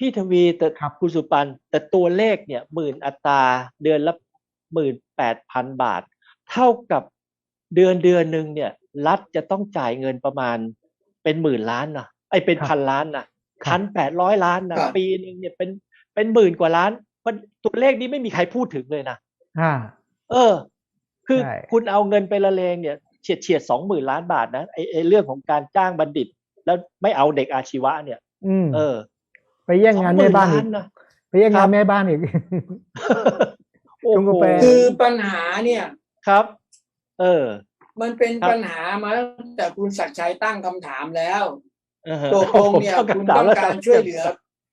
พี่ทวีแต่ครับคุณสุปันแต่ตัวเลขเนี่ย10,000 อัตราเดือนละ18,000 บาทเท่ากับเดือนหนึ่งเนี่ยรัฐจะต้องจ่ายเงินประมาณเป็นหมื่นล้านนะไอ้เป็นครับพันล้านนะครับ 1,800 ล้านนะปีครับหนึ่งเนี่ยเป็นหมื่นกว่าล้านมันตัวเลขนี้ไม่มีใครพูดถึงเลยนะอ่าเออคือใช่คุณเอาเงินไปละเลงเนี่ยเฉียด20,000 ล้านบาทนะไอ้เรื่องของการจ้างบัณฑิตแล้วไม่เอาเด็กอาชีวะเนี่ยอืมเออไปแย่งสองงานหมื่นล้าแม่บ้านอีกนนะไปแย่งงานครับแม่บ้านอีกโอ้โหชงกาแฟคือปัญหาเนี่ยครับเออมันเป็นครับปัญหามาตั้งแต่คุณศักดิ์ชัยตั้งคำถามแล้วเออฮะตกลงผมเนี่ยตั้งคุณคำถามแล้วครับต้องการช่วยเหลือ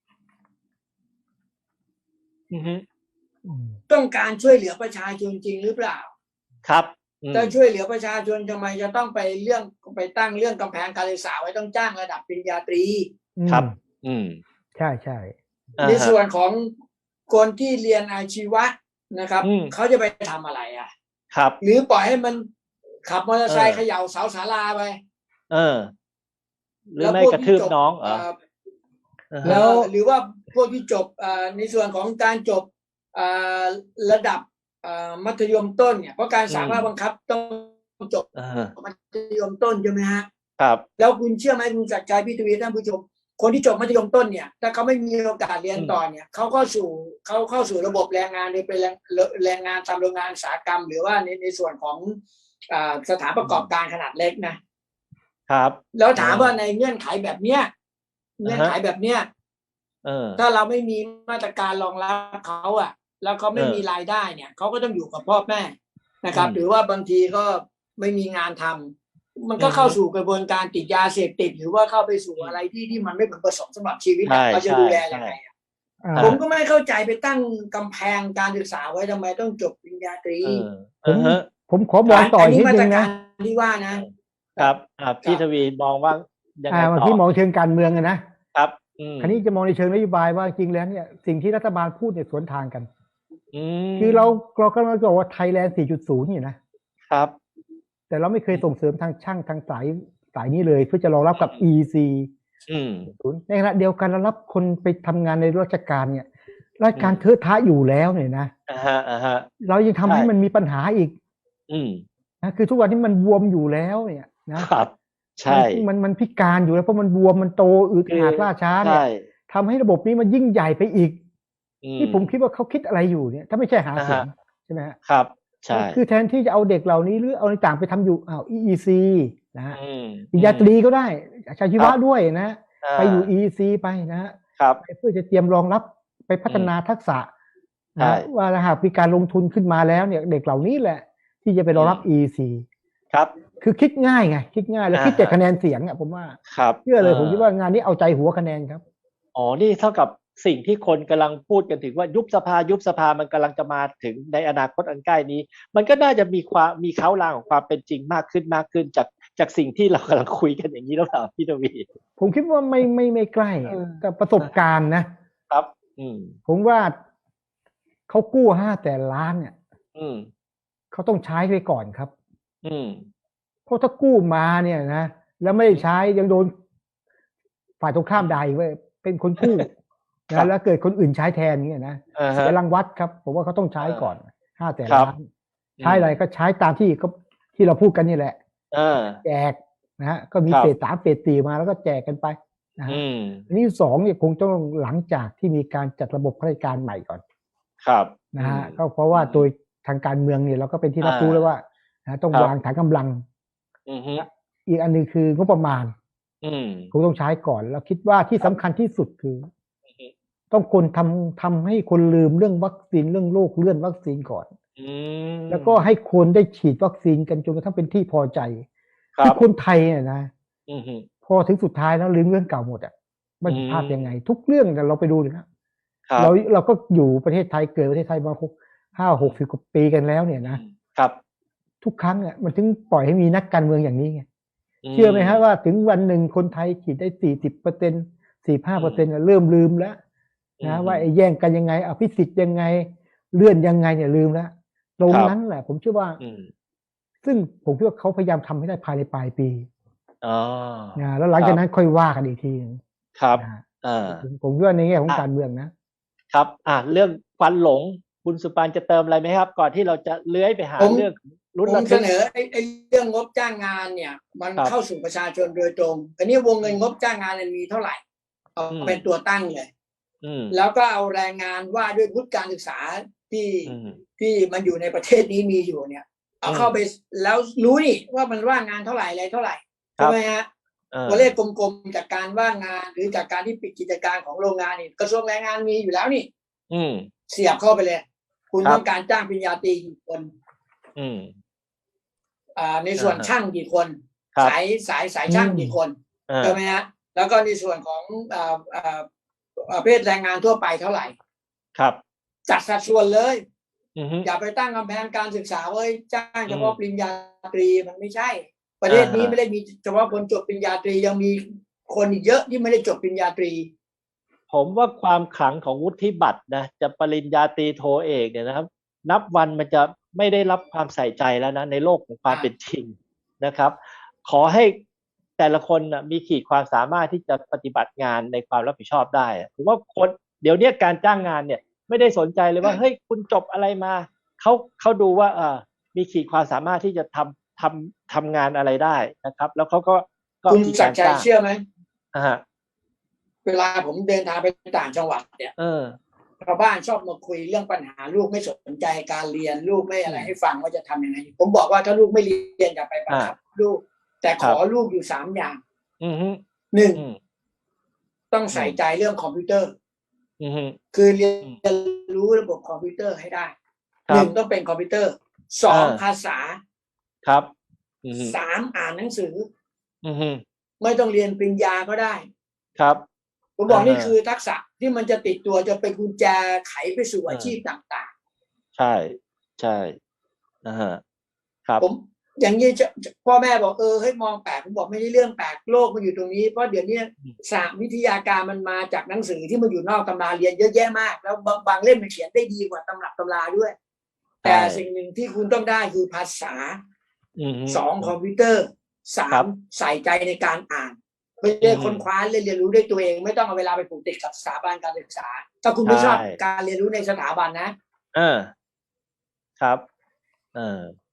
อือฮึอืมต้องการช่วยเหลือประชาชนจริงหรือเปล่าครับอืมถ้าช่วยเหลือประชาชนทำไมจะต้องไปตั้งเรื่องกำแพงการศึกษาไว้ต้องจ้างระดับปริญญาตรีอืมครับอืมใช่ใช่ในอ่าฮะส่วนของคนที่เรียนอาชีวะนะครับอืมเขาจะไปทำอะไรอ่ะครับหรือปล่อยให้มันขับมอเตอเอร์ไซค์เขอย่าเสาศาลาไปเออหรือแล้วไม่กระทืบพวกที่จบน้องเหรออ่าฮะแล้วหรือว่าพวกที่จบในส่วนของการจบเอ่อระดับมัธยมต้นเนี่ยเพราะการอืมสามารถบังคับต้องจบเออมัธยมต้นใช่ไหมฮะครับแล้วคุณเชื่อไหมคุณจักรชัยพี่ทวีท่านผู้ชมคนที่จบมัธยมต้นเนี่ยถ้าเขาไม่มีโอกาสเรียนอืมต่อเนี่ยเขาเข้าสู่ระบบแรงงานโดยเป็นแรงงานตามโรงงานอุตสาหกรรมหรือว่าในส่วนของสถานประกอบการขนาดเล็กนะครับแล้วเออถามว่าในเงื่อนไขแบบเนี้ยเงื่อนอ่าฮะไขแบบเนี้ยเออถ้าเราไม่มีมาตรการรองรับเขาแล้วเขาเออไม่มีรายได้เนี่ยเขาก็ต้องอยู่กับพ่อแม่นะครับอืมหรือว่าบางทีก็ไม่มีงานทำมันอือฮึก็เข้าสู่กระบวนการติดยาเสพติดหรือว่าเข้าไปสู่อืมอะไรที่มันไม่พึงประสงค์สำหรับชีวิตใช่เราจะใช่ดูแลยัใช่งไงอ่าผมก็อ่าไม่เข้าใจไปตั้งกำแพงการศึกษาไว้ทำไมต้องจบปริญญาตรีเออผมอ่าฮะผมขอมองต่ออันอีกนิดนึงนะนี้มาตรการที่ว่านะครับครับพี่ทวีมองว่ายังไงต่อบางที่มองเชิงการเมืองนะครับอืมคราวนี้จะมองในเชิงนโยบายว่าจริงแล้วเนี่ยสิ่งที่รัฐบาลพูดเนี่ยสวนทางกันอืคือเรามเรากำลังจะบอกว่าไทยแลนด์ 4.0 นี่นะครับแต่เราไม่เคยอืมส่งเสริมทางช่างทางสายนี้เลยเพื่อจะรองรับกับ EC อืมในขณะเดียวกันเรารับคนไปทำงานในราชการเนี่ยราชอืมการเทอะทะอยู่แล้วเนี่ยนะอ่าฮะเรายังทำใช่ให้มันมีปัญหาอีกอืมนะคือทุกวันนี้มันบวมอยู่แล้วเนี่ยนะครับมัใช่นมันพิการอยู่แล้วเพราะมันบวมมันโตอืดคือหาดล่าช้าใช่เนี่ยทำให้ระบบนี้มันยิ่งใหญ่ไปอีกอืมนี่ผมคิดว่าเขาคิดอะไรอยู่เนี่ยถ้าไม่ใช่หาเสียงฮะใช่ไหมฮะครับใช่คือแทนที่จะเอาเด็กเหล่านี้หรือเอาในต่างไปทำอยู่EEC นะฮะอืมปริญญาตรีก็ได้อาชีครับวะด้วยนะอ่าไปอยู่ EEC ไปนะฮะครับเพื่อจะเตรียมรองรับไปพัฒนาอืมทักษะใช่นะว่าหากมีการลงทุนขึ้นมาแล้วเนี่ยเด็กเหล่านี้แหละที่จะไปรอืมองรับ EEC ครับคือคิดง่ายไงคิดง่ายแล้วคิดแต่ฮะคะแนนเสียงอ่ะผมว่าครับเชื่อเลยผมคิดว่างานนี้เอาใจหัวคะแนนครับอ๋อนี่เท่ากับสิ่งที่คนกำลังพูดกันถึงว่ายุบสภามันกำลังจะมาถึงในอนาคตอันใกล้นี้มันก็น่าจะมีเค้าลางของความเป็นจริงมากขึ้นจากสิ่งที่เรากำลังคุยกันอย่างนี้แล้วเปล่าพี่ทวีผมคิดว่าไม่ใกล้เออกับประสบการณ์ครับอืมผมว่าเขากู้500,000,000,000เนี่ยอืมเขาต้องใช้ไปก่อนครับอืมเพราะถ้ากู้มาเนี่ยนะแล้วไม่ได้ใช้ยังโดนฝ่ายตรงข้ามด่าอีกว่าเป็นคนกู้ครับแล้วเกิดคนอื่นใช้แทนเนี่ยนะอ่าฮะเสียรางวัดครับผมว่าเขาต้องใช้ก่อนห้าแสนครับล้านอืใช้มอะไรก็ใช้ตามที่ที่เราพูดกันนี่แหละอ่าแจกนะฮะก็มีครับเฟส 3เฟส 4มาแล้วก็แจกกันไปนะฮะอืมอันนี้2เนี่ยคงต้องหลังจากที่มีการจัดระบบข้าราชการใหม่ก่อนครับนะฮะอืมก็เพราะว่าโดยทางการเมืองเนี่ยเราก็เป็นที่รับรู้แล้วว่าต้องครับวางฐานกำลังอือฮึอีกอันนึงคืองบประมาณอืมคงต้องใช้ก่อนแล้วคิดว่าที่ครับสำคัญที่สุดคืออือฮึต้องคนทำให้คนลืมเรื่องวัคซีนเรื่องโรคเลื่อนวัคซีนก่อนอืแล้วก็มให้คนได้ฉีดวัคซีนกันจนกระทั่งเป็นที่พอใจครับคือคนไทยเนี่ยนะอือฮึพอถึงสุดท้ายแล้วลืมเรื่องเก่าหมดอ่ะมันอืผิดพลาดยังไงมทุกเรื่องเราไปดูนะครับเราก็อยู่ประเทศไทยเกิดประเทศไทยมา50-60กว่าปีกันแล้วเนี่ยนะครับทุกครั้งอ่ะมันถึงปล่อยให้มีนักการเมืองอย่างนี้ไงอืเชื่อไหมฮะว่ามถึงวันหนึ่งคนไทยฉีดได้40% 45%เริ่มลืมแล้วอืนะว่ามไอ้แย่งกันยังไงอภิสิทธิ์ยังไงเลื่อนยังไงเนี่ยลืมแล้วตรงครับนั้นแหละผมเชื่อว่าอืมซึ่งผมคิดว่าเขาพยายามทำให้ได้ภายในปลายปีอ๋อแล้วหลังจากครับนั้นค่อยว่ากันอีกทีนึงครับนะฮะผมคิดว่าในแง่ของการเมืองนะครับเรื่องควันหลงคุณสุปานจะเติมอะไรไหมครับ ก่อนที่เราจะเลื้อยไปหาเรื่องลุ้นผมระเสทึกนอไอ้เรื่องงบจ้างงานเนี่ย มันครับเข้าสู่ประชาชนโดยตรงอันนี้วงเงินงบจ้างงานมันมีเท่าไหร่เอาเป็นตัวตั้งเลย แล้วก็เอาแรงงานว่าด้วยวุฒิการศึกษาที่มันอยู่ในประเทศนี้มีอยู่เนี่ย เอาเข้าไปแล้วรู้นี่ว่ามันว่างงานเท่าไหร่อะไรเท่าไหร่ใช่ไหมฮะตัวเลขกลมๆจากการว่างงานหรือจากการที่ปิดกิจการของโรงงานนี่กระทรวงแรงงานมีอยู่แล้วนี่เสียบเข้าไปเลย คุณต้องการจ้างปริญญาตรีกี่คนในส่วนช่างกี่คนสายช่างกี่คนใช่ไหมฮะแล้วก็ในส่วนของประเภทแรงงานทั่วไปเท่าไหร่ครับจัดสัดส่วนเลยอย่าไปตั้งกำแพงการศึกษาไว้จ้างเฉพาะปริญญาตรีมันไม่ใช่ประเทศนี้ไม่ได้มีเฉพาะคนจบปริญญาตรียังมีคนอีกเยอะที่ไม่ได้จบปริญญาตรีผมว่าความขลังของวุฒิบัตรนะจะปริญญาตรีโทเอกเนี่ยนะครับนับวันมันจะไม่ได้รับความใส่ใจแล้วนะในโลกของความเป็นจริงนะครับขอให้แต่ละคนนะมีขีดความสามารถที่จะปฏิบัติงานในความรับผิดชอบได้ผมว่าคนเดี๋ยวนี้การจ้างงานเนี่ยไม่ได้สนใจเลยว่าเฮ้ยคุณจบอะไรมาเขาดูว่ามีขีดความสามารถที่จะทำงานอะไรได้นะครับแล้วเขาก็คุณศักดิ์ชัยเชื่อไหมฮะเวลาผมเดินทางไปต่างจังหวัดเนี่ยชาวบ้านชอบมาคุยเรื่องปัญหาลูกไม่สนใจการเรียนลูกไม่อะไรให้ฟังว่าจะทำยังไงผมบอกว่าถ้าลูกไม่เรียนอย่าไปบังคับลูกแต่ขอลูกอยู่3 อย่าง1ต้องใส่ใจเรื่องคอมพิวเตอร์คือเรียนรู้ระบบคอมพิวเตอร์ให้ได้1ต้องเป็นคอมพิวเตอร์2ภาษาครับ 3อ่านหนังสือไม่ต้องเรียนปริญญาก็ได้ครับผมบอกนี่คือทักษะที่มันจะติดตัวจะเป็นกุญแจไขไปสู่อาชีพต่างๆใช่ครับผมอย่างนี้พ่อแม่บอกให้มองแปลกผมบอกไม่ใช่เรื่องแปลกโลกมันอยู่ตรงนี้เพราะเดี๋ยวนี้ศาสตร์วิทยาการมันมาจากหนังสือที่มันอยู่นอกตำราเรียนเยอะแยะมากแล้วบางเล่มมันเขียนได้ดีกว่าตำรับตำราด้วยแต่สิ่งหนึ่งที่คุณต้องได้คือภาษา2คอมพิวเตอร์3ใส่ใจในการอ่านเพื่อค้นคว้าเรียนรู้ด้วยตัวเองไม่ต้องเอาเวลาไปผูกติดกับสถาบันการศึกษาถ้าคุณไม่ชอบการเรียนรู้ในสถาบันนะครับ